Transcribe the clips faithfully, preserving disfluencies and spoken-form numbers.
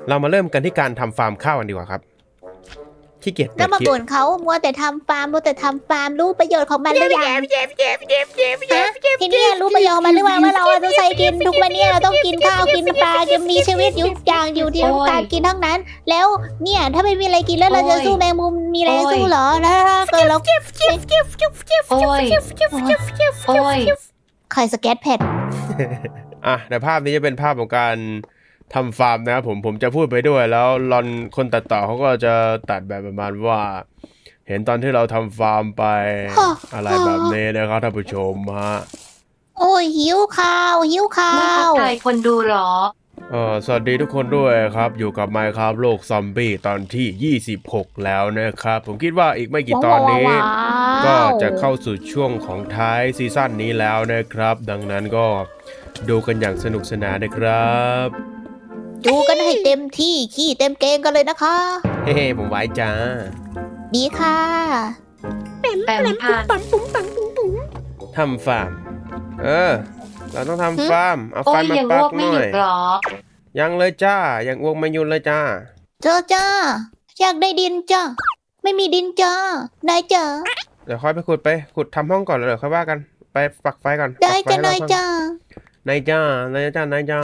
เรามาเริ่มกันที่การทำฟาร์มข้าวกันดีกว่าครับขี้เกียจแล้วมาบ่นเขามัวแต่ทำฟาร์มมัวแต่ทำฟาร์มรู้ประโยชน์ของมันหรือยังฮะทีนี้รู้ประโยชน์มันหรือยังว่าเราจะใช้กินทุกวันนี้เราต้องกินข้าวกินปลาจะมีชีวิตอยู่อย่างอยู่ที่ต้องการกินทั้งนั้น แล้วเนี่ยถ้าไม่มีอะไรกินแล้วเราจะสู้แมงมุมมีอะไรสู้เหรอแล้วถ้าเกิดเราโอ้ยโอ้ยใครสแกตแพดอ่ะในภาพนี้จะเป็นภาพของการทำฟาร์มนะครับผมผมจะพูดไปด้วยแล้วรอนคนตัดต่อเขาก็จะตัดแบบประมาณว่า เห็นตอนที่เราทำฟาร์มไปอะไรแบบนี้นะครับท่านผู้ชมฮะโอ้ยหิวข้าวหิวข้าไม่ทัวกทายคนดูหรอเออสวัสดีทุกคนด้วยครับอยู่กับ Minecraft โลกซอมบี้ตอนที่ยี่สิบหกแล้วนะครับผมคิดว่าอีกไม่กี่ตอนนี้ ก็จะเข้าสู่ช่วงของท้ายซีซั่นนี้แล้วนะครับ ดังนั้นก็ดูกันอย่างสนุกสนานนะครับดูกันให้เต็มที่ขี้เต็มเกงกันเลยนะคะเฮ้ผมไว้จ้าดีค่ะแปมผ่านทำฟาร์ม เออ เราต้องทำฟาร์ม เอาโอ้ไฟยมายังปัอ้กวกหไม่น่หยุอยดหรอยังเลยจ้า ยังอ้วกไม่หยุดเลยจ้าเจอจ้าอยากได้ดินจ้าไม่มีดินจ้านายจ้าเดี๋ยวค่อยไปขุดไป ขุดทำห้องก่อนแล้วเดี๋ยวค่อยว่ากัน ไปปักไฟก่อนได้ปักฟจ้าให้เรนายก่อจ้านายจ้านายจ้านายจ้า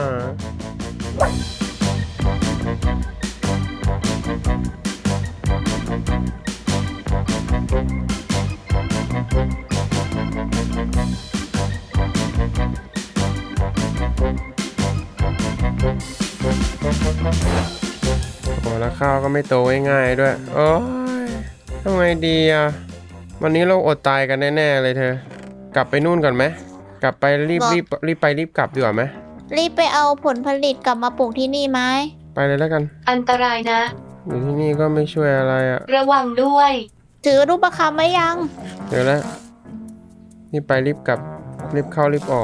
โอ้แล้วข้าวก็ไม่โตง่ายๆด้วย โอ้ยทำไงดีอ่ะ วันนี้เราอดตายกันแน่ๆเลยเธอ กลับไปนู่นก่อนไหม กลับไปรีบรีบรีบไปรีบกลับดีกว่าไหมรีบไปเอาผลผลิตกลับมาปลูกที่นี่ไหมไปเลยแล้วกันอันตรายนะอยู่ที่นี่ก็ไม่ช่วยอะไรอ่ะระวังด้วยถือรูปประคำไว้ยังเดี๋ยวแล้วรีบไปรีบกลับ รีบเข้ารีบออก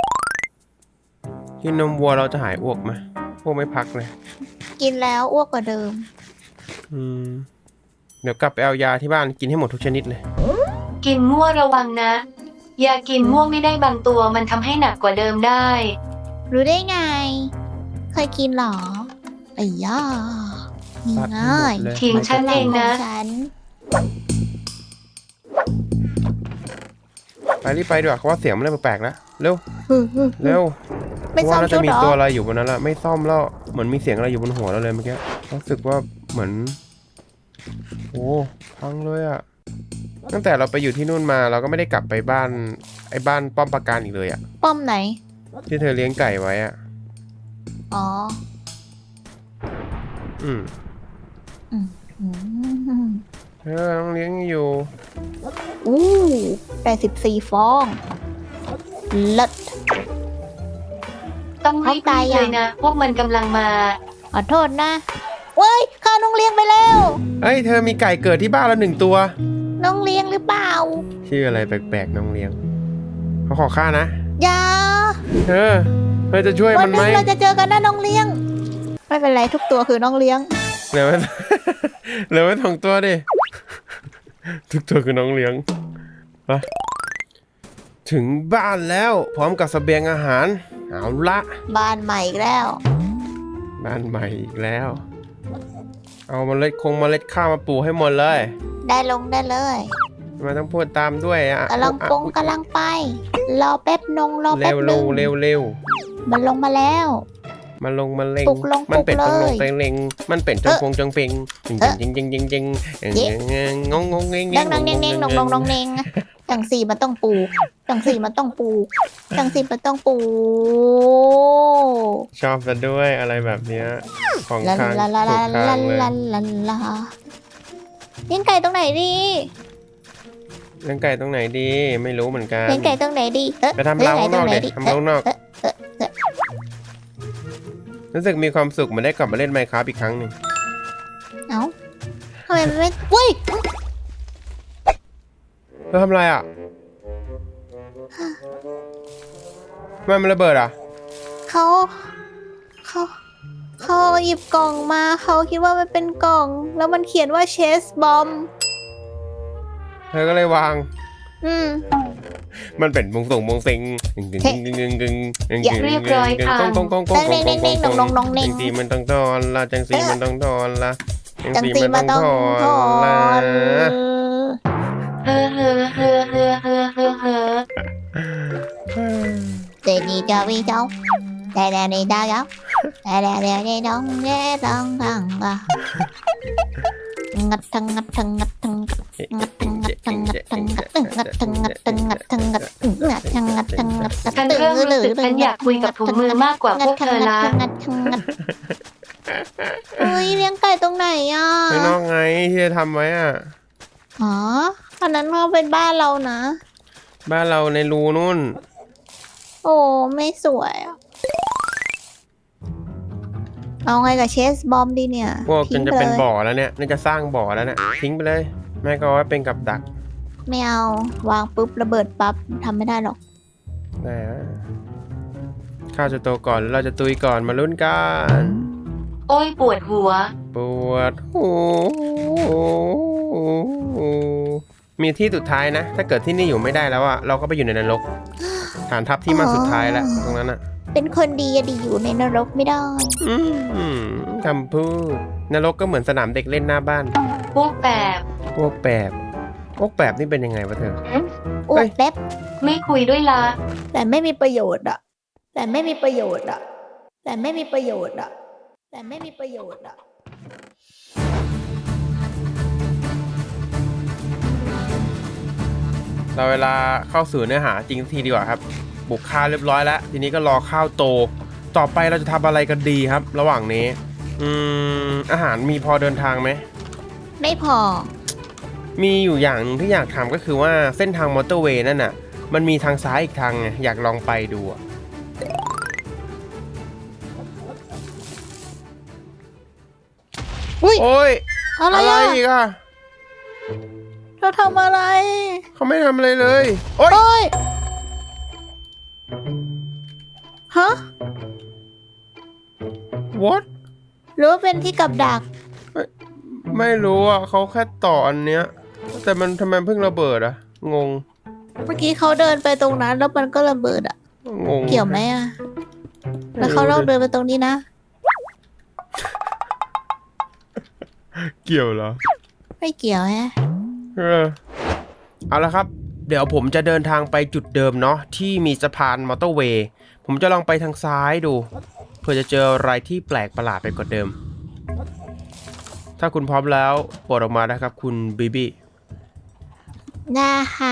กินนมวัวเราจะหายอ้วกไหมอ้วกไม่พักเลยกินแล้วอ้วกกว่าเดิมอืม เดี๋ยวกลับไปเอายาที่บ้านกินให้หมดทุกชนิดเลยกินมั่วระวังนะ ยากินม่วงไม่ได้บางตัวมันทำให้หนักกว่าเดิมได้รู้ได้ไง เคยกินเหรอไอ้ย่านี่ตัดให้ง่าหมยดเลยทิ้งฉันเองนะฉันไปรีบไปดีกว่าเพราะว่าเสียงมันเริ่มแปลกๆแล้ว เร็ว เร็วไม่เพราะซ่อว่าม น่าชุจะดมีเหรอตัวอะไรอยู่บนนั้นละไม่ซ่อมแล้วเหมือนมีเสียงอะไรอยู่บนหัวเราเลยเมื่อกี้รู้สึกว่าเหมือนโอ้พังเลยอะตั้งแต่เราไปอยู่ที่นู่นมาเราก็ไม่ได้กลับไปบ้านไอ้บ้านป้อมปราการอีกเลยอะป้อมไหนที่เธอเลี้ยงไก่ไว้อะอ๋ออืมอืมเธอต้องเลี้ยงอยู่อู้ได้สิบสี่ฟองเลิศต้องรีบเขาตายๆยังเลยนะ พวกมันกำลังมาขอโทษนะเว้ยข้าน้องเลี้ยงไปแล้วเอ้ยเธอมีไก่เกิดที่บ้านแล้วหนึ่งตัวน้องเลี้ยงหรือเปล่าชื่ออะไรแปลกๆน้องเลี้ยงเขาขอค่านะอย่าเธอเธอจะช่วยวัมัน นหไหมนึงเราจะเจอกันนะน้องเลี้ยง ไม่เป็นไรทุกตัวคือน้องเลี้ยงเหลือไว้ เหลือไว้สองตัวดิ ทุกตัวคือน้องเลี้ยงไปถึงบ้านแล้วพร้อมกับเสบียงอาหาร เอาละบ้านใหม่อีกแล้วบ้านใหม่อีกแล้ว เอาเมล็ดคงเมล็ดข้าวมาปลูกให้หมดเลยได้ลงได้เลยทำไมต้องพูดตามด้วยอ่ะกำลังปงกำลังไป รอแป๊บนงรอเร็แป๊บวนึเร็วงเร็วเร็วมันลงมาแล้วมาลงมาเล็งปลุกลงมันเป็นปลุตกรงเลลยงเต็งเล็งมันเป็นจงพงจงเปงจงจริงจริงจริงจริงงงงงเงงดังดังเน่งเน่งนงนงนงเน่งจังสี่มันต้องปูจังสี่มันต้องปูจังสี่มันต้องปูชอบซะด้วยอะไรแบบเนี้ยของลาค้างลาลาถูลากทาลางเลยลาลาลาเลี้ยงไก่ตรงไหนดีเลี้ยงไก่ตรงไหนดี ไม่รู้เหมือนกันเลี้ยงไก่ตรงไหนดีเอ๊ะไปทำเล้าข้างนอกลี้เด็ยงไก่ตรงไหนทำเล้าข้างนอกเอ๊ะเอ๊ะเอ๊ะรู้สึกมีความสุขเหมือนได้กลับมาเล่น Minecraft อีกครั้งหนึ่งเอ้าทำไมมันไม่เว้ยเธอทำอะไรอ่ะทำไมมันระเบิดอ่ะเขาเขาเขาหยิบกล่องมาเขาคิดว่ามันเป็นกล่อง แล้วมันเขียนว่าเชสบอมเธอก็เลยวางอืมมันเป็นมงส่งมงเซ็งกึ่งกึ่งกึ่งกึ่งกึ่งกึ่งอย่าเรียบร้อยค่ะกงกงกงกงกงกงกงกงจังสีมันต้องทอนละจังสีมันต้องทอนละจังสีมาต้องถอนเฮ้อเฮ้อเฮ้อเฮ้อเฮ้อเฮ้อเฮ้อเจดีเจ้าวิเจ้าแต่แต่ในดาวเจ้าแต่แต่แต่ในดงเย่ดงกังกะงัดทั้งงัดทั้งงัดทั้งงัดทั้งงัดทั้งงัดทั้งงัดทั้งงัดทั้งงัดทั้งงัดทั้งงัดงัดทั้งงัดทั้งงัดฉันเริ่มรู้สึกฉันอยากคุยกับถุงมือมากกว่าพวกเธอละงัดทั้งงัดเฮ้ยเลี้ยงไก่ตรงไหนอ่ะข้างนอกไงที่จะทำไว้อ่ะอ๋ออันนั้นก็เป็นบ้านเรานะบ้านเราในรูนู่นโอ้ไม่สวยอ่ะเอาไงกับเชสบอมดีเนี่ยพวกจนจะเป็นทิ้งไลยบ่อแล้วเนี่ยน่าจะสร้างบ่อแล้วเนี่ยทิ้งไปเลยแม่ก็เอาไว้เป็นกับดักไม่เอาวางปุ๊บระเบิดปั๊บทำไม่ได้หรอกได้ฮะข้าวจะโตก่อนหรือเราจะตุยก่อนมาลุ้นกันโอ้ยปวดหัวปวดหูมีที่สุดท้ายนะ ถ้าเกิดที่นี่อยู่ไม่ได้แล้วอะเราก็ไปอยู่ในนรกฐานทัพที่มั่นสุดท้ายแล้วตรงนั้นอะเป็นคนดีอะดีอยู่ในนรกไม่ได้อืมคำพูดนรกก็เหมือนสนามเด็กเล่นหน้าบ้านพวกแบบพวกแปบพวกแปบนี่เป็นยังไงวะเธออ้วกเล็บไม่คุยด้วยละแต่ไม่มีประโยชน์อะแต่ไม่มีประโยชน์อะแต่ไม่มีประโยชน์อะแต่ไม่มีประโยชน์อะเราเวลาเข้าสู่เนื้อหาจริงทีดีกว่าครับบุกข้าวเรียบร้อยแล้วทีนี้ก็รอข้าวโตต่อไปเราจะทำอะไรกันดีครับ ระหว่างนี้อืมอาหารมีพอเดินทางไหมไม่พอมีอยู่อย่างหนึงที่อยากทำก็คือว่าเส้นทางมอเตอร์เวย์นั่นน่ะมันมีทางซ้ายอีกทางไงอยากลองไปดูอะอุ้ยโอ้ยอะไรอะไรอะอีกอะเธอทำอะไรเขาไม่ทำอะไรเลยโอ้ยโอ้ยฮะ what หรือว่าเป็นที่กับดักไม่รู้อ่ะเขาแค่ต่ออันเนี้ยแต่มันทำไมเพิ่งระเบิดอะงงเมื่อกี้เขาเดินไปตรงนั้นแล้วมันก็ระเบิดอะงงเกี่ยวไหมอะแล้วเขาลองเดินไปตรงนี้นะเกี่ยวเหรอไม่เกี่ยวฮะเออเอาละครับ เดี๋ยวผมจะเดินทางไปจุดเดิมเนาะที่มีสะพานมอเตอร์เวย์ผมจะลองไปทางซ้ายดูเพื่อจะเจออะไรที่แปลกประหลาดไปกว่าเดิม ถ้าคุณพร้อมแล้วโปรดออกมานะครับคุณบีบีได้ค่ะ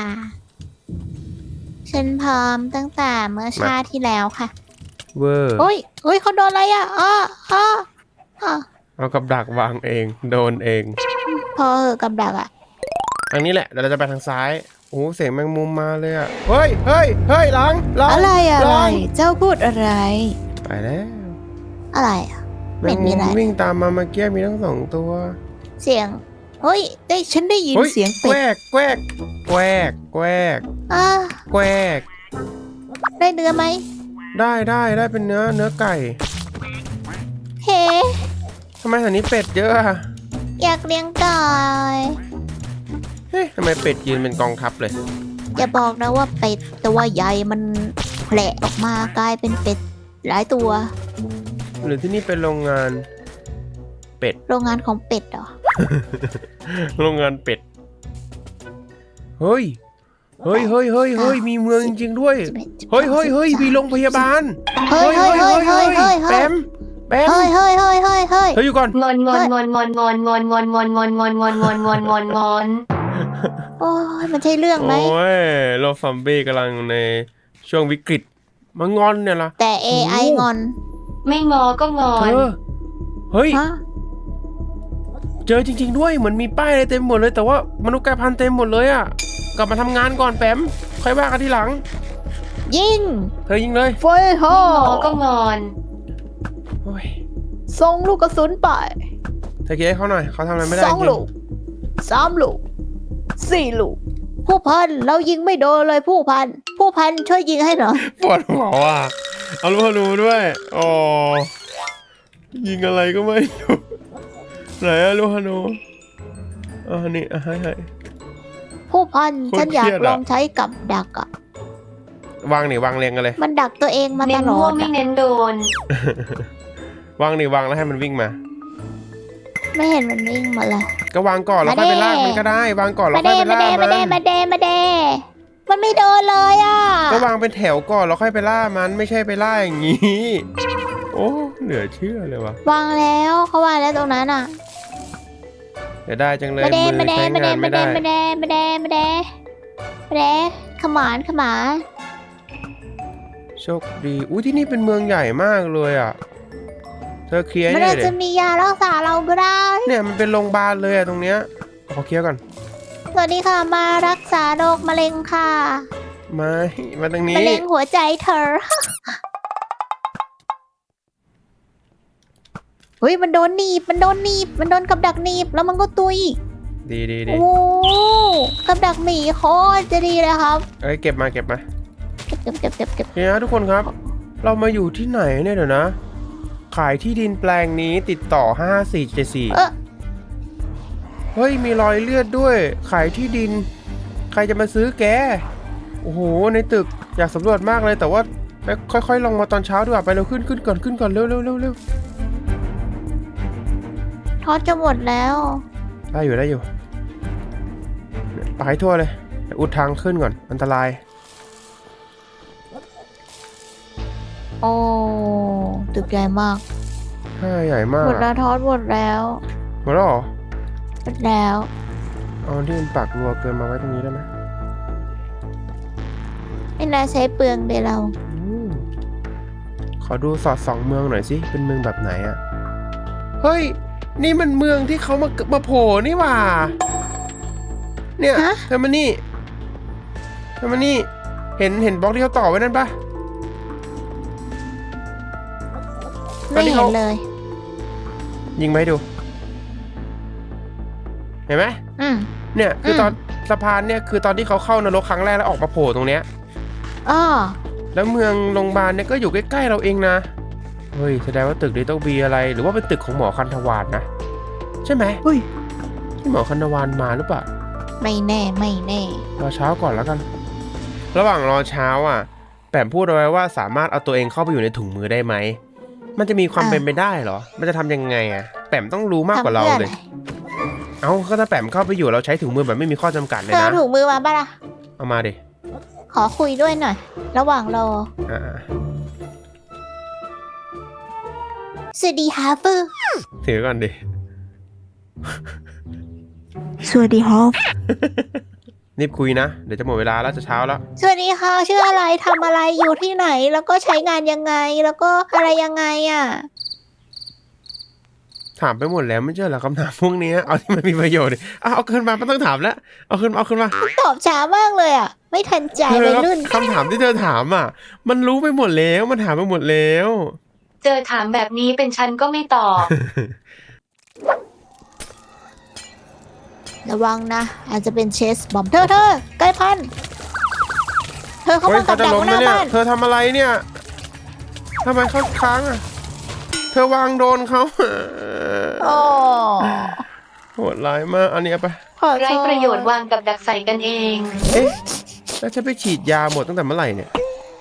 ฉันพร้อมตั้งแต่เมื่อชาติที่แล้วค่ะเวอร์โอ้ยโอ้ยเขาโดนอะไรอ่ะอ้ออ้ออ้อเอากับดักวางเองโดนเองพอเหอะกับดักอ่ะทางนี้แหละเดี๋ยวเราจะไปทางซ้ายโอ้เสียงแมงมุมมาเลยอ่ะเฮ้ยเฮ้ยเฮ้ยหลังหลังอะไรอะไรหลังเจ้าพูดอะไรไปแล้วอะไรอ่ะแมไม่งมีมุมอะไรวิ่งตามมาเมื่อกี้มีทั้งสองตัวเสียง เฮ้ย ได้ฉันได้ยินฮ้เสียงแกเป็วดกแกวกแกวกแกวกอ่ะแกวกได้เนื้อไหมได้ได้ได้เป็นเนื้อเนื้อไก่เฮ้ทำไมแถวนี้เป็ดเยอะอะอยากเลี้ยงไก่เฮ้ยทำไมเป็ดยืนเป็นกองทัพเลยอย่าบอกนะว่าเป็ดตัวใหญ่มันแผละออกมากลายเป็นเป็ดหลายตัวหรือที่นี่เป็นโรงงาน เป็ดโรงงานของเป็ดเหรอโรงงานเป็ดเฮ้ยเฮ้ยเฮ้ยเฮ้ยเฮ้ยมีเมืองจริงๆด้วยเฮ้ยเฮ้ยเฮ้ยมีโรงพยาบาลเฮ้ยเฮ้ยเฮ้ยเฮ้ยเฮ้ยแปเฮ้ยมแปมเฮ้ยเฮ้ยเฮ้ยเฮ้ยเฮ้ยเฮ้ยอยู่ก่อนงอนงอนงอนงอนงอนงอนงอนงอนงอนงอนงอนงอนงอนงอนงอนโอ้ยมันใช่เรื่องไหมโอ้ยโลกซอมบี้กำลังในช่วงวิกฤตมางอนเนี่ยล่ะแต่ เอ ไอโอ้งอนไม่งอก็งอเธนอเฮ้ยฮะเจอจริงๆด้วยเหมือนมีป้ายอะไรเต็มหมดเลยแต่ว่ามนุษย์กลายพันธุ์เต็มหมดเลยอ่ะกลับมาทำงานก่อนแปมค่อยว่ากันทีหลังยิงเธอยิงเลยไฟฮอไม่งอก็งอนโอ้ยส่งลูกกระสุนไปเธอคิดให้เขาหน่อยเขาทำอะไรไม่ได้สองจริงลูกสามลูกสี่ลูก ผู้พันเรายิงไม่โดนเลยผู้พัน ผู้พันช่วยยิงให้หน่อยปวดหัวว่ะเอาลูกธนูด้วยอ๋อยิงอะไรก็ไม่รู้ไหนอะลูกธนูอ่านี่อ่ะให้ให้ผู้พันโคตรฉันอยากเครียดอะลองใช้กับดักอะวางนี่วางเรียงกันเลยมันดักตัวเองมาตเน้นลอม่วดงไม่อะเน้นโดนวางนี่วางแล้วให้มันวิ่งมาไม่เห็นมันวิ่งมาเลยก็วางก่อนแล้วมาค่อยดิไปลากมันก็ได้ วางก่อนแล้วมาค่อยเด้ไปมาล่าเด้มัมาเด้มาน เด้มาเด้มันไม่โดนเลยอ่ะก็วางเป็นแถวก่อนแล้วค่อยไปล่ามันไม่ใช่ไปล่าอย่างนี้ โอ้เหลือเชื่อเลยวะวางแล้วเขาวางแล้วตรงนั้นอ่ะเดี๋ยวได้จังเลยมาเด้มือมาเด้ใช้มาเด้งานมาไม่เด้ได้มาเด้มาเด้มาเด้มาเด้ขมานขมานโชคดีอุ้ยที่นี่เป็นเมืองใหญ่มากเลยอ่ะเธอเคลียร์มันเนี่อาจยจะดิมียารักษาเราก็ได้เนี่ยมันเป็นโรงพยาบาลเลยอะตรงเนี้ยขอเคลียร์ก่อนสวัสดีค่ะมารักษาโรคมะเร็งค่ะมามาตรงนี้มะเร็งหัวใจเธอ เฮ้ยมันโดนหนีบมันโดนหนีบมันโดนกับดักหนีบแล้วมันก็ตุยดีดีดีโอ้กับดักหมีโคตรจะดีเลยครับเอ้ยเก็บมาเก็บมาเก็บเก็บเก็บเก็บเก็บเนี่ยนะทุกคนครับ เรามาอยู่ที่ไหนเนี่ยเดี๋ยวนะ ขายที่ดินแปลงนี้ติดต่อห้าสี่เจ็ดสี่เออเฮ้ยมีรอยเลือดด้วย ขายที่ดิน ใครจะมาซื้อแกโอ้โหในตึกอยากสำรวจมากเลยแต่ว่าไปค่อยๆลงมาตอนเช้าดีกว่าไปเร็วขึ้นขึ้นก่อนขึ้นก่อนเร็วเร็วเร็วเร็วทอดจะหมดแล้วได้อยู่ได้อยู่ไปให้ทั่วเลยอุดทางขึ้นก่อนอันตรายโอ้ตึกใหญ่มากห้าใหญ่มากหมดแล้วทอดหมดแล้วหมดแล้วเหรอหมดแล้วเอาที่มันปากรัวเกินมาไว้ตรงนี้ได้ไหมไม่น่าใช้เปลืองเลยเราอืมขอดูสอดส่องเมืองหน่อยสิเป็นเมืองแบบไหนอะเฮ้ยนี่มันเมืองที่เขามามาโผล่นี่หว่าเนี่ยฮะเธอมานี่เธอมานี่เห็นเห็นบล็อกที่เขาต่อไว้นั่นปะไม่เห็นเลยยิงไหมาให้ดู เห็นไหมอืมเนี่ยคืออมตอนสะพานเนี่ยคือตอนที่เขาเข้านรกครั้งแรกแล้วออกมาโผล่ตรงเนี้ยอ้อแล้วเมืองโรงพยาบาลเนี่ยก็อยู่ใกล้ๆเราเองนะเฮ้ยแสดงว่าตึกนี้ต้องมีอะไรหรือว่าเป็นตึกของหมอคันธวานนะใช่ไหมเฮ้ยที่หมอคันธวานมาหรือเปล่าไม่แน่ไม่แน่รอเช้าก่อนแล้วกัน ระหว่างรอเช้าอ่ะแปมพูดเอาไว้ว่าสามารถเอาตัวเองเข้าไปอยู่ในถุงมือได้ไหมมันจะมีความเป็นไปได้เหรอมันจะทำยังไงอ่ะแปมต้องรู้มากกว่าเราเลย เอ้าก็ถ้าแปมเข้าไปอยู่เราใช้ถุงมือแบบไม่มีข้อจำกัดเลยเธอนะเอาถุงมือมาป่ะล่ะเอามาดิขอคุยด้วยหน่อย ระหว่างรออ่าสวัสดีฮาเฟอร์ถือก่อนดิสวัสดีฮอฟรีบคุยนะเดี๋ยวจะหมดเวลาแล้วจะเช้าแล้วสวัสดีค่ะชื่ออะไรทำอะไรอยู่ที่ไหน แล้วก็ใช้งานยังไง แล้วก็อะไรยังไงอ่ะถามไปหมดแล้วไม่ใช่เหรอคำถามพวกนี้เอาที่มันมีประโยชน์ดิเอาเอาขึ้นมาไม่ต้องถามแล้วเอาขึ้นมาเอาขึ้นมาตอบช้ามากเลยอ่ะ ไม่ทันใจเธวัอยรุ่นคำถามที่เธอถามอ่ะ มันรู้ไปหมดแล้วมันถามไปหมดแล้วเจอถามแบบนี้เป็นฉันก็ไม่ตอบระวังนะ อาจจะเป็นเชสบอมเธอเธอใกล้พันเธอเข้าเฮ้ยมากัเขาบจะดักล้มหน้านะเนี่ยบ้านเธอทำอะไรเนี่ยทำไมเขาค้างอ่ะเธอวางโดนเขาโอ้โหดร้ายมากอันนี้เอาไปขอโทษไร้ประโยชน์วางกับดักใส่กันเองเอ๊ะแล้วจะไปฉีดยาหมดตั้งแต่เมื่อไหร่เนี่ย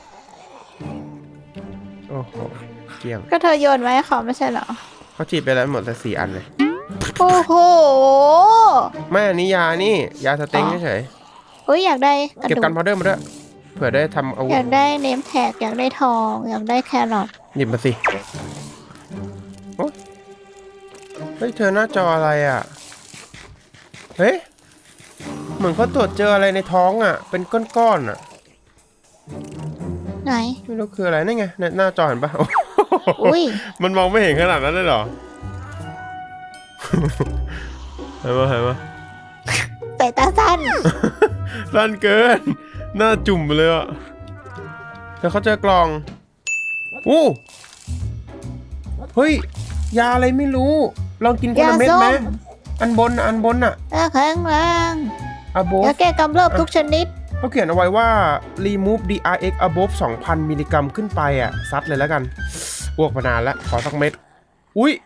โอ้โหเกลี้ยงก็เธอโยนไว้ให้เขาไม่ใช่เหรอเขาฉีดไปแล้วหมดแต่สี่อันเลยโอ้โหไม่อันนี้ยานี่ยาสเต็งเฉยเฮ้ยอยากได้กระๆเก็บดูกันกพาวเดอร์มาด้วยเผื่อได้ทำอาวุอธยากได้เนมแท็กอยากได้ทอง อยากได้แครอทหยิบมาสิโอ๊ยเฮ้ยเธอหน้าจออะไรอ่ะเฮ้ยเหมือนเขาตรวจเจออะไรในท้องอ่ะ เป็นก้อนๆอ่ะไหนไม่รู้คืออะไรนี่ไงในหน้าจอเห็นปะอุ้ยมันมองไม่เห็นขนาดนั้นเลยเหรอ เห็นปะเห็นปะแต่ตาสั้นสั้นเกิน หน้าจุ่มไปเลยอ่ะแต่เขาเจอกล่องอู้เฮ้ย ยาอะไรไม่รู้ ลองกินคนละเม็ดไหมยาส้มอันบนน่ะอันบนน่ะตาแข็งแรงอะโบยาแก้กำเริบทุกชนิดเขาเขียนเอาไว้ว่า remove ดี อาร์ เอ็กซ์ above สองพัน มิลลิกรัมขึ้นไปอ่ะ ซัดเลยแล้วกันอ้วกมานานแล้ว ขอสักเม็ด อุ้ย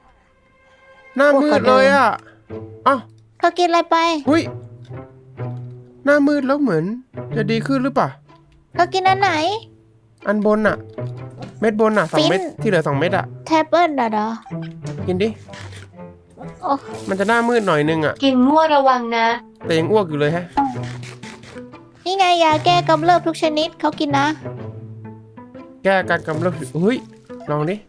หน้ามืดเลยอ่ะอ้าวเธอกินอะไรไปอุ้ยหน้ามืดแล้วเหมือนจะดีขึ้นหรือเปล่าเธอกินอันไหนอันบนอะเม็ดบนอะสองเม็ดฟินที่เหลือสองเม็ดอะแทบเปิลเหรอเด้อกินดิโอ้มันจะหน้ามืดหน่อยนึงอะกินมั่วระวังนะแต่ยังอ้วกอยู่เลยฮะนี่ไงยาแก้กำเริบทุกชนิดเขากินนะแก้อาการกำเริบเฮ้ยลองดิ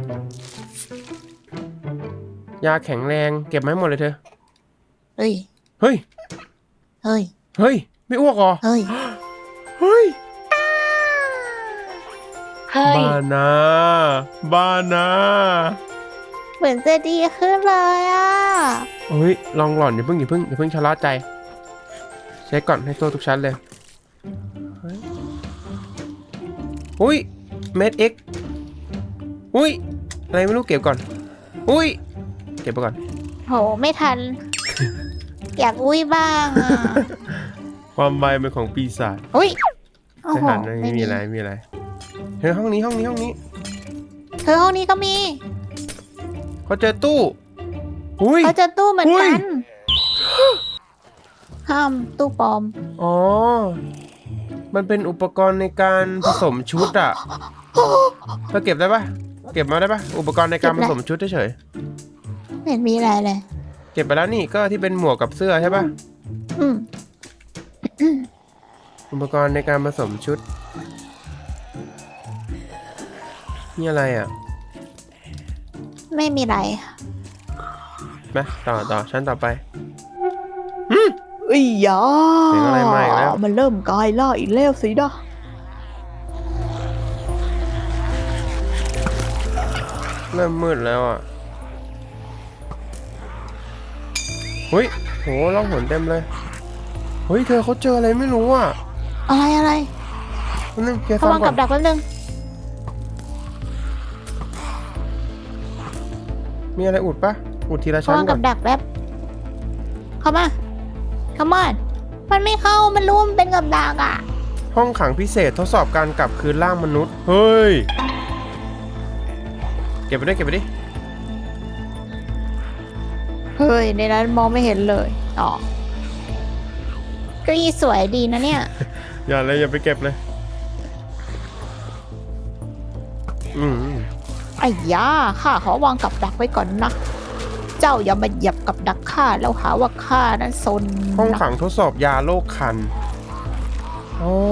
ยาแข็งแรงเก็บมาให้หมดเลยเธอเฮ้ยเฮ้ยเฮ้ยเฮ้ยไม่อ้วกเหรอเฮ้ยเฮ้ยเฮ้ยบ้านะบ้านะเหมือนจะดีขึ้นเลยอ่ะเฮ้ยลองหล่อนอย่าเพิ่งอย่าเพิ่งอย่าเพิ่งชะล่าใจเช็คก่อนให้ตัวทุกชั้นเลยเฮ้ยอุ้ยเม็ดเอ็กอุ้ยอะไรไม่รู้เก็บก่อนอุ้ยเก็บไปก่อนโหไม่ทัน อยากอุ้ยบ้างอ่ะความไวเป็นของปีศาจอุ้ยโอ้ไม่โหหันนะไม่มีอะไรไม่มีอะไรเฮ้ยห้องนี้ห้องนี้ห้องนี้เธอห้องนี้ก็มีเขาเจอตู้อุ้ยเขาเจะตู้เหมือนอุ้กัยน ห้ามตู้ปลอมอ๋อมันเป็นอุปกรณ์ในการผสมชุดอะเธอเก็บได้ปะเก็บมาได้ปะอุปกรณ์ในการผสมชุดเฉยไม่เห็นมีอะไรเลยๆเก็บไปแล้วนี่ก็ที่เป็นหมวกกับเสื้อใช่ปะอืมอุปกรณ์ในการผสมชุดนี่อะไรอ่ะไม่มีอะไรมาต่อต่อชั้นต่อไปอียาเสียงอะไรมาอีกแล้วมันเริ่มกลายล่าอีกแล้วสินะเริ่มมืดแล้วอ่ะเฮ้ยโหล่องหนเต็มเลยเฮ้ยเธอเขาเจออะไรไม่รู้อ่ะอะไรอะไรแป๊บนึงเคลียร์เขาซ่อวาม งก่กัอบ นดักแป๊บนึงมีอะไรอุดปะอุดทีละเขาชั้นวางก่กัอนบดักแป๊บเข้ามาเข้ามามันไม่เข้ามันรู้มันเป็นกับดักอ่ะห้องขังพิเศษทดสอบการกลับคืนร่างมนุษย์เฮ้ยเก็บไปดิเก็บไปดิเฮ้ยในนั้นมองไม่เห็นเลยอ๋อเก็ยี่สวยดีนะเนี่ยอย่าเลยอย่าไปเก็บเลยอืมไอ้ยาข้าขอวางกับดักไว้ก่อนนะ เจ้าอย่ามาเหยียบกับดักข้าแล้วหาว่าข้านั้นซนห้องนะขังทดสอบยาโรคคันอ๋อ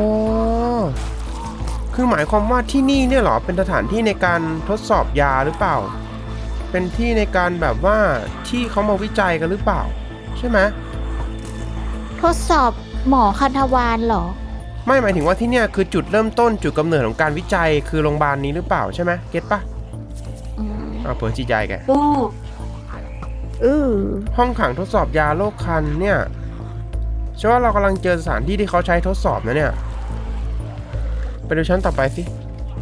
คือหมายความว่าที่นี่เนี่ยเหรอเป็นสถานที่ในการทดสอบยาหรือเปล่า เป็นที่ในการแบบว่าที่เขามาวิจัยกันหรือเปล่า ใช่ไหมทดสอบหมอคันธวานเหรอไม่หมายถึงว่าที่เนี่ยคือจุดเริ่มต้นจุดกำเนิดของการวิจัยคือโรงพยาบาลนี้หรือเปล่าใช่ไหมเก็ตปะอืมอ้าวเปิดจีใจแกอู้อือห้องขังทดสอบยาโรคคันเนี่ยใช่ว่าเรากำลังเจอสถานที่ที่เขาใช้ทดสอบนะเนี่ยไปดูชั้นต่อไปสิ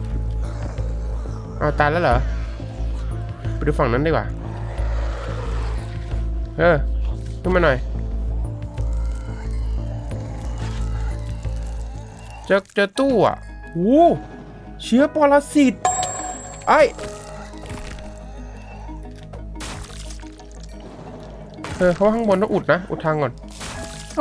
เอาตายแล้วเหรอไปดูฝั่งนั้นดีกว่าเออขึ้นมาหน่อยเจอเจอตู้อ่ะโอ้เชื้อปรสิตไอ้เออเขาข้างบนต้องอุดนะอุดทางก่อนโอ้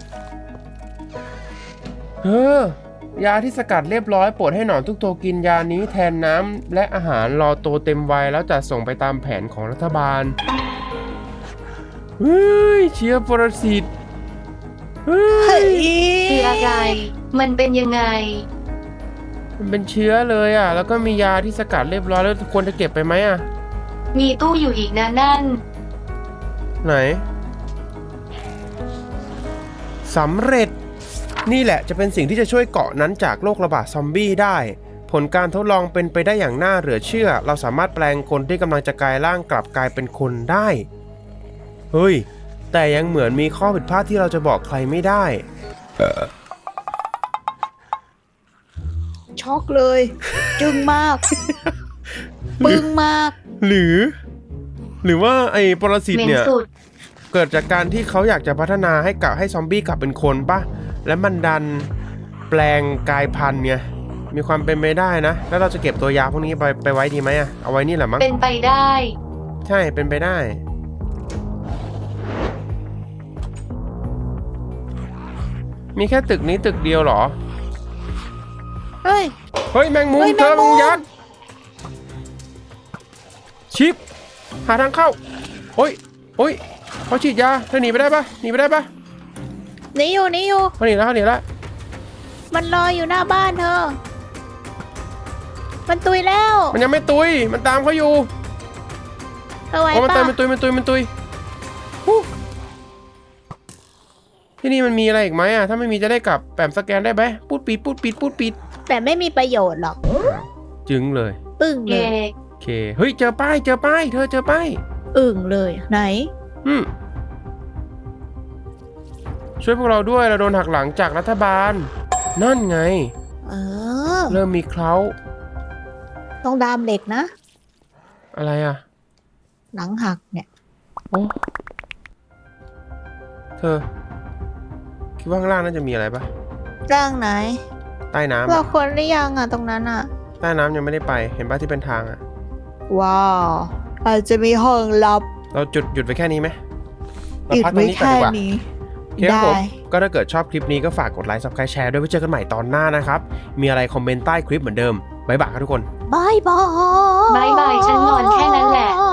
เออยาที่สกัดเรียบร้อยโปรดให้หนอนทุกตัวกินยานี้แทนน้ำและอาหารรอโตเต็มวัยแล้วจะส่งไปตามแผนของรัฐบาลเฮ้ยเชื้อปรสิตเฮ้เฮ้ยยคืออะไร มันเป็นยังไงมันเป็นเชื้อเลยอ่ะแล้วก็มียาที่สกัดเรียบร้อยแล้วควรจะเก็บไปไหมอ่ะมีตู้อยู่อีกนะนั่นไหนสำเร็จนี่แหละจะเป็นสิ่งที่จะช่วยเกาะนั้นจากโรคระบาดซอมบี้ได้ผลการทดลองเป็นไปได้อย่างน่าเหลือเชื่อเราสามารถแปลงคนที่กำลังจะกลายร่างกลับกลายเป็นคนได้เฮ้ยแต่ยังเหมือนมีข้อผิดพลาดที่เราจะบอกใครไม่ได้ช็อกเลย จึงมาก ปึงมากหรือ หรือว่าไอ้ปรสิตเหม็นเนี่ยสุดเกิดจากการที่เขาอยากจะพัฒนาให้กลับให้ซอมบี้กลับเป็นคนปะและมันดันแปลงกายพันธุ์ไงมีความเป็นไปได้นะแล้วเราจะเก็บตัวยาพวกนี้ไปไปไว้ดีไหมอะเอาไว้นี่แหละมั้งเป็นไปได้ใช่เป็นไปได้มีแค่ตึกนี้ตึกเดียวเหรอเฮ้ยเฮ้ยแมงมุมเฮ้ยเจอแมแมงงมุมุมมยักษ์ชิปหาทางเข้าโอ้ยโอ้ยเขาฉีดยาเธอหนีไปได้ปะหนีไปได้ปะหนีอยู่หนีอยู่เขาหนีแล้วเขาหนีแล้วมันรออยู่หน้าบ้านเธอ มันตุยแล้วมันยังไม่ตุยมันตามเขาอยู่เธอไหวโอ้มันปะตุยมันตุยมันตุยมันตุยฮู้ที่นี่มันมีอะไรอีกไหมอ่ะถ้าไม่มีจะได้กลับแปมสแกนได้ไหมพูดปิดพูดปิดพูดปิดแต่ไม่มีประโยชน์หรอกจึงเลยอึ้งเยเลยโอเคเฮ้ยเจอป้ายเจอป้ายเธอเจอป้ายอึ้งเลยไหนอืมช่วยพวกเราด้วยเราโดนหักหลังจากรัฐบาลนั่นไงเออเริ่มมีเคล้าต้องดามเหล็กนะอะไรอ่ะหลังหักเนี่ยโอ้เธอคิดว่าข้างล่างน่าจะมีอะไรปะร่างไหนใต้น้ำเราอะควรหรือยังอ่ะตรงนั้นอ่ะใต้น้ำยังไม่ได้ไปเห็นปะที่เป็นทางอ่ะว้าวอาจจะมีห้องลับเราจุดหยุดไปแค่นี้ไหมเราอีกพักตรไม่งนี้ก่อนแค่ดีกว่านี้โอเคครับได้ผมก็ถ้าเกิดชอบคลิปนี้ก็ฝากกดไลค์ ซับสไครบ์ แชร์ด้วยไว้เจอกันใหม่ตอนหน้านะครับมีอะไรคอมเมนต์ใต้คลิปเหมือนเดิมบ๊ายบายครับทุกคนบายบายบายบายฉันนอนแค่นั้นแหละ